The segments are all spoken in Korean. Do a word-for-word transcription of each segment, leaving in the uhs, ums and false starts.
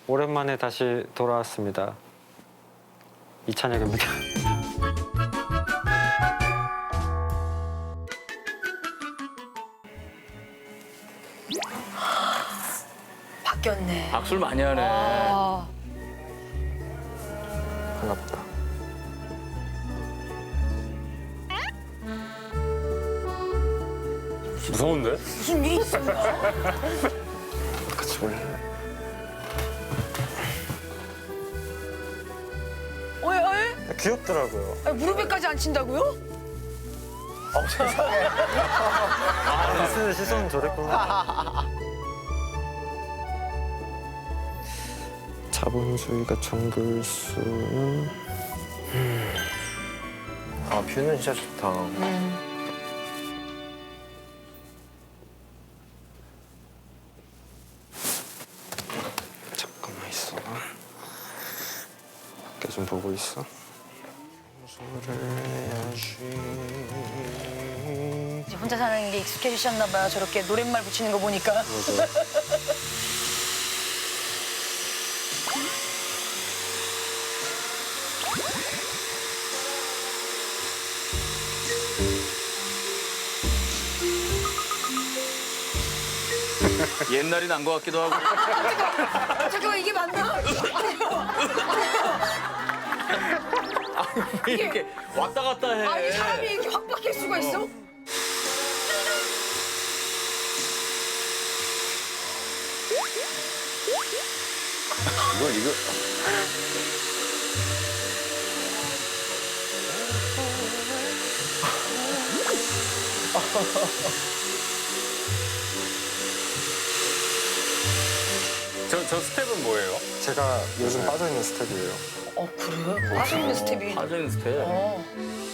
오랜만에 다시 돌아왔습니다. 이찬혁입니다. 바뀌었네. 악술 많이 하네. 아, 반갑다. 무서운데? 무슨 일이 있어? 같이 볼래? 어이, 어이? 귀엽더라고요. 아니, 무릎에까지 안 친다고요? 미스의 시선은 저랬구나. 자본주의가 정글수는 아 뷰는 진짜 좋다. 잠깐만 있어. 밖에 좀 보고 있어. 소를 해야지. 이제 혼자 사는 게 익숙해지셨나 봐요. 저렇게 노랫말 붙이는 거 보니까. 맞아. 옛날이 난 것 같기도 하고. 잠깐만, 이게 맞나? 왜 이렇게 왔다 갔다 해. 아니, 사람이 이렇게 확 바뀔 수가 있어? 이거 이거 저, 저 스텝은 뭐예요? 제가 요즘 빠져있는 스텝이에요. 어, 그래요? 빠져있는 스텝이. 빠져있는 스텝. 어.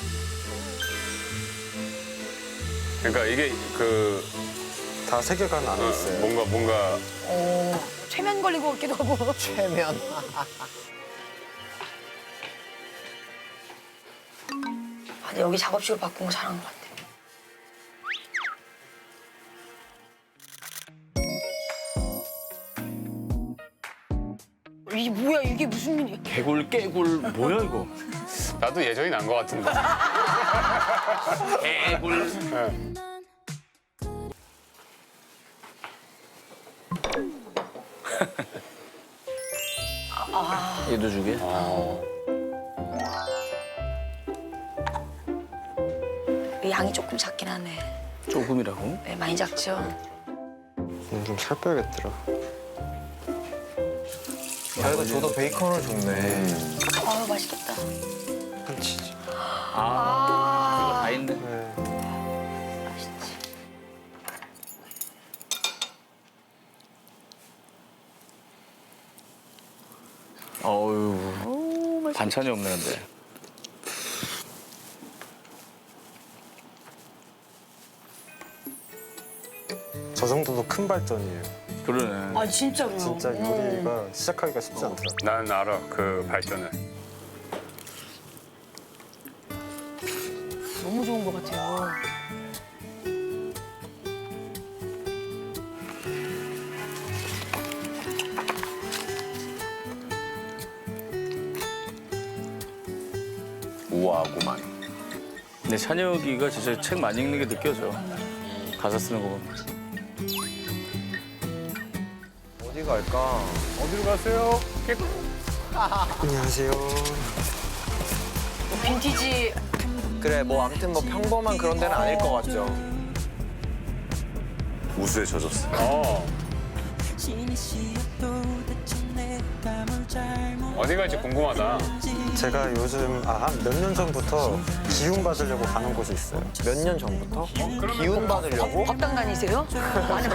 그러니까 이게 그 다 세계관 안에 어, 있어요. 뭔가 뭔가 어. 최면 걸린 것 같기도 하고. 최면. 아, 근데 여기 작업실로 바꾼 거 잘한 것 같아. 이게 뭐야? 이게 무슨 일이야? 개굴 깨굴 뭐야 이거? 나도 예전이 난 것 같은데. 개굴. 얘도 주게? 양이 조금 작긴 하네. 조금이라고? 네, 많이 작죠? 오늘 좀 살 빼야겠더라. 그래도 저도 베이컨을 줬네. 아유, 맛있겠다. 한치지. 아, 아, 다 있네. 네. 맛있지. 어유 반찬이 없네 근데. 저 정도도 큰 발전이에요. 그러네. 아, 진짜로요? 진짜 요리가 시작하기가 쉽지 않더라. 난 알아 그 발전을. 너무 좋은 것 같아요. 우아하구만. 근데 찬혁이가 진짜 책 많이 읽는 게 느껴져. 가사 쓰는 거 보면. 어디 갈까? 어디로 가세요? 깨끗. 안녕하세요. 뭐 빈티지. 그래 뭐 아무튼 뭐 평범한 그런 데는 아닐 것 같죠. 우수에 젖었어. 어. 어디 갈지 궁금하다. 제가 요즘 아, 한 몇 년 전부터 기운 받으려고 가는 곳이 있어요. 몇 년 전부터? 기운 받으려고? 법당 다니세요? 아니,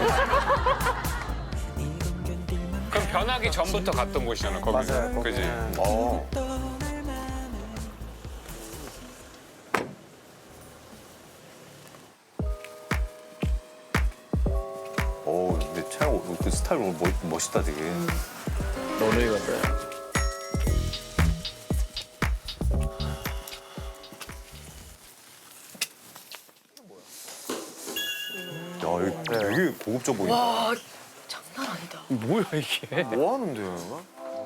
그럼 변하기 전부터 갔던 곳이잖아 거기. 맞아요. 그지? 거기는. 어. 오, 근데 촬영 그 스타일 오늘 멋, 멋있다 되게. 너네 같다. 야, 이거 되게 고급져 보인다. 와, 장난 아니다. 뭐야 이게? 뭐 하는데요?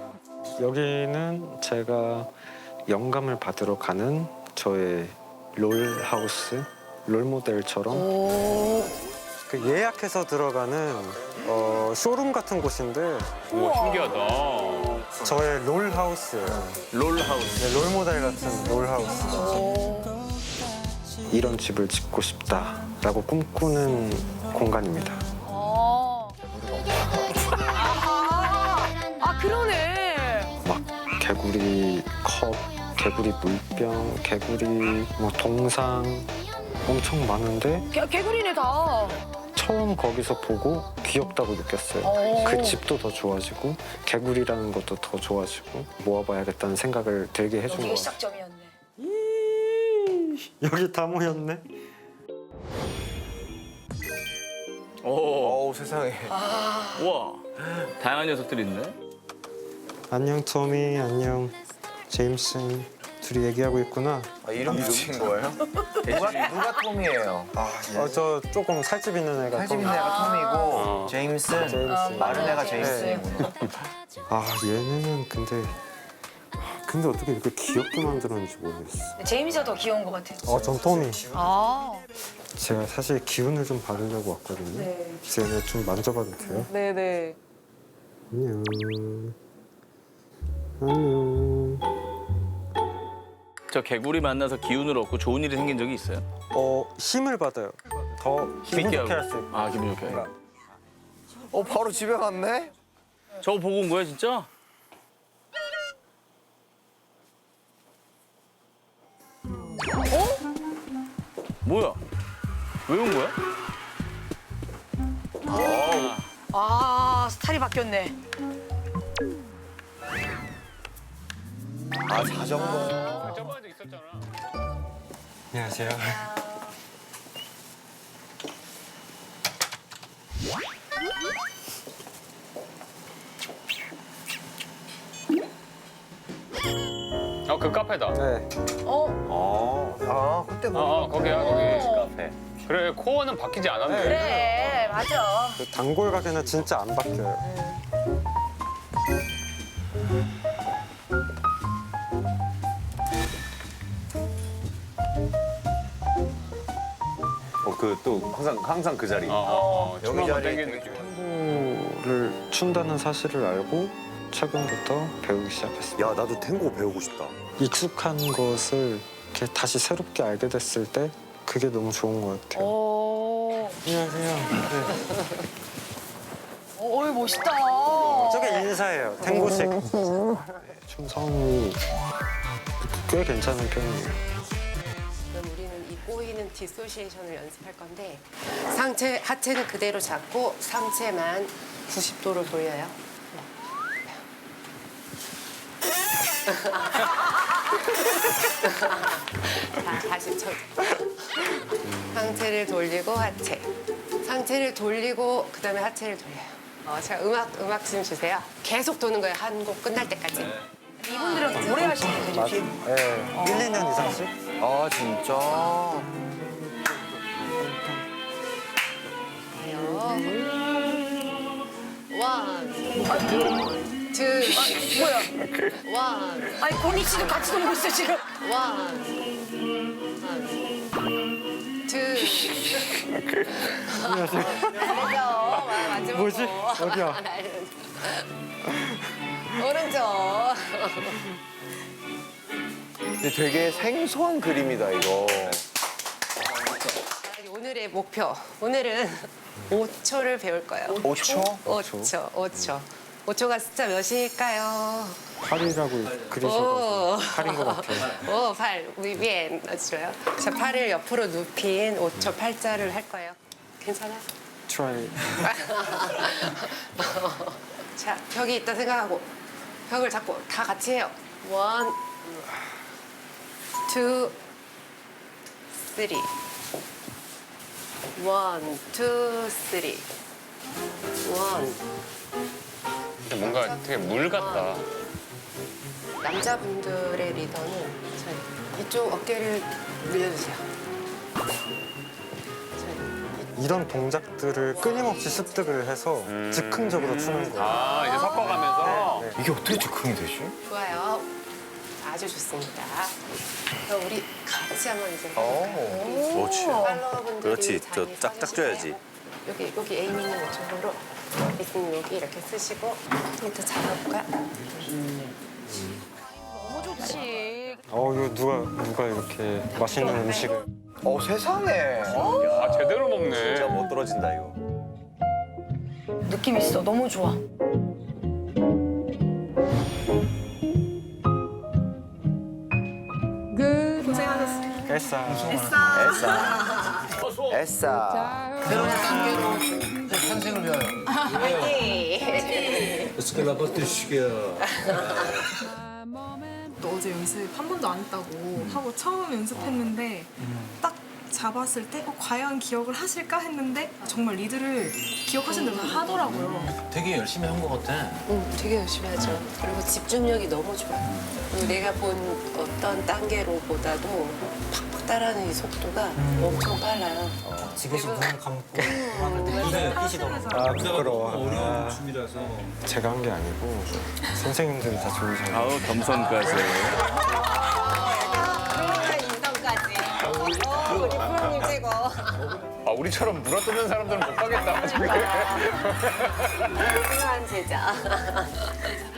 여기는 제가 영감을 받으러 가는 저의 롤 하우스, 롤 모델처럼 오. 그 예약해서 들어가는 어, 쇼룸 같은 곳인데 우와 신기하다. 저의 롤 하우스예요. 롤 하우스. 네, 롤 모델 같은 롤 하우스. 오. 이런 집을 짓고 싶다라고 꿈꾸는 공간입니다. 어. 아, 아 그러네. 막 개구리 컵, 개구리 물병, 개구리 뭐 동상 엄청 많은데 개, 개구리네 다. 처음 거기서 보고 귀엽다고 느꼈어요. 오. 그 집도 더 좋아지고 개구리라는 것도 더 좋아지고 모아봐야겠다는 생각을 들게 해준 여기가 것 같아요. 시작점이었네. 여기 다 모였네. 오. 어우 세상에. 우와. 다양한 녀석들이 있네. 안녕 토미, 안녕 제임스. 둘이 얘기하고 있구나. 아, 이름 붙인 거예요? 누가 누가 톰이에요? 아, 어, 저 조금 살집 있는 애가 살집 있는 토미. 애가 톰이고 어. 제임슨 제임스. 마른 애가 네. 제임슨이구나. 아 얘네는 근데 근데 어떻게 이렇게 귀엽게 만들었는지 모르겠어. 제임스가 더 귀여운 것 같아. 어, 전 토미. 아. 제가 사실 기운을 좀 받으려고 왔거든요. 네. 그래서 얘네 좀 만져봐도 돼요? 네네. 안녕. 안녕. 저 개구리 만나서 기운을 얻고 좋은 일이 생긴 적이 있어요? 어 힘을 받아요. 더 기분 좋게 할 수 있고. 아 기분 좋게. 어 바로 집에 갔네? 저거 보고 온 거야 진짜? 어? 뭐야? 왜 온 거야? 아 스타일이 바뀌었네. 아 자전거. 저번에도 있었잖아. 안녕하세요. 어, 그 카페다. 네. 어. 아 그때 어, 뭐 어 거기야, 거기. 어. 카페. 그래, 코어는 바뀌지 않았네. 그래 맞아. 그 단골 가게는 진짜 안 바뀌어요. 어그 또 항상 항상 그 자리. 어, 어, 어. 춤 여기 한번 자리에 땡기는 되게 느낌. 탱고를 춘다는 사실을 알고 최근부터 배우기 시작했습니다. 야 나도 탱고 배우고 싶다. 익숙한 것을 이렇게 다시 새롭게 알게 됐을 때 그게 너무 좋은 것 같아요. 오. 안녕하세요. 네. 어이 멋있다. 저게 인사예요. 탱고식. 춤성이 꽤 괜찮은 편이에요. 그럼 우리는 이 꼬이는 디소시에이션을 연습할 건데 상체, 하체는 그대로 잡고 상체만 구십 도로 돌려요. 자, 다시 쳐. 상체를 돌리고 하체. 상체를 돌리고 그다음에 하체를 돌려요. 어, 제가 음악 음악 좀 주세요. 계속 도는 거예요. 한 곡 끝날 때까지. 이분들은 오래 하시는 맞아. 분이지. 네. 일, 이 년 이상씩? 아 진짜. 원, 투, 뭐야? 원, 아니 고니 씨도 같이 놀고 있어 지금. 원, 투. 안녕하세요. 마지막 뭐지? 거. 어디야? 오른쪽. 근데 되게 생소한 그림이다 이거. 오늘의 목표. 오늘은 오 초를 배울 거예요. 오 초? 오 초, 오 초. 오 초가 숫자 몇일까요? 팔이라고 그리셔서 오. 팔인 것 같아요. 오, 팔. 위엔 맞춰요. 자, 팔을 옆으로 눕힌 오 초 팔자를 할 거예요. 괜찮아요? 트라이. 자, 벽이 있다 생각하고 벽을 잡고 다 같이 해요. 원, 투, 쓰리. 원, 투, 쓰리. 원. 근데 뭔가 되게 물 같다. 남자분들의 리더는 자, 이쪽 어깨를 늘려주세요. 자, 이런 동작들을 끊임없이 습득을 해서 즉흥적으로 추는 거예요. 아 이제 섞어가면서. 네. 이게 어떻게 즉흥이 되지? 좋아요. 아주 좋습니다. 그럼 우리 같이 한번 이제 오. 그렇지. 팔로워분들이 그렇지. 저 자리 짝짝 서주실래요? 줘야지. 여기 여기 에이미 있는 이쪽으로 이승 여기 이렇게 쓰시고 밑에 잡아볼까? 너무 좋지. 어 이거 누가 누가 이렇게 맛있는 음식을 어 세상에. 아 제대로 먹네. 진짜 못 떨어진다 이거. 느낌 있어. 너무 좋아. 에싸 에싸. 또 어제 연습 한 번도 안 했다고 하고 처음 연습했는데 딱 잡았을 때 어, 과연 기억을 하실까 했는데 정말 리드를 기억하신 대로 다 하더라고요. 되게 열심히 한 것 같아. 응, 되게 열심히 하죠. 그리고 집중력이 너무 좋아요. 그리고 내가 본 어떤 단계로보다도 팍팍 따라하는 이 속도가 엄청 빨라요. 집에서 눈을 감고 아 부끄러워. 어려운 아, 춤이라서. 제가 한 게 아니고 선생님들이 다 좋으셔서 아우 겸손까지. 아 우리처럼 물어뜯는 사람들은 못 가겠다. 훌륭한 제자.